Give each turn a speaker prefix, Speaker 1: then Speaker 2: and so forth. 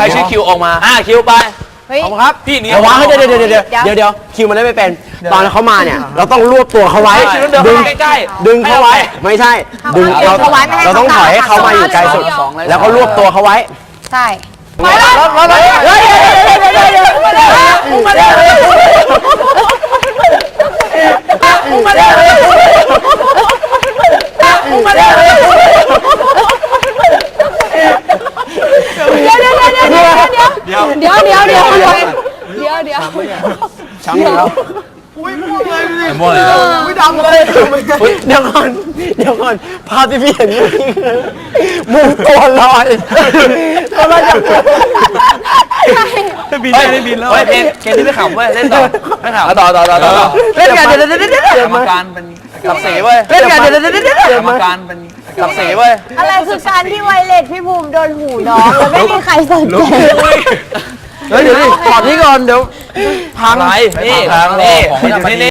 Speaker 1: รชื่อคิวออกมาคิวไปขอบครับพี่นี่
Speaker 2: ระวังให้เดี๋ยวคิวมันได้ไม่เป็นตอนเขามาเนี่ยเราต้องรวบตัวเขาไว้ดึงใกล้ๆดึงเขาไว้ไม่ใช่ดึงเราต้องถอยให้เขามาอยู่ไกลสุดแล้วก็รวบตัวเขาไว้
Speaker 3: ใช่
Speaker 2: ไป
Speaker 3: เดี๋ยว
Speaker 2: ช้ำแล้ว
Speaker 1: ม่วงเลย
Speaker 2: ไม่ดำเลยเดี๋ยวก่อนภาพที่พี่เห็นเมื่อกี้คือมุมตัวลอยก็มาจาก
Speaker 1: บินได้บินแล้วเกมที่ไม่ขำเว้ยเล่นต่อไม่ขำต่อ
Speaker 2: เล่นกันเดี๋ยว
Speaker 1: กรรมการเป็นกับสีเว้ย
Speaker 2: เล่นกันเดี๋ยว
Speaker 1: กรรมการเป็นกับสีเว้ย
Speaker 3: อะไรคือการที่ไวเลสพี่ภูมิโดนหูน้องแล้วไม่มีใครสนใจ
Speaker 2: เดี๋ยวถอดนี้ก่อนเดี๋ยว
Speaker 1: พังไรนี่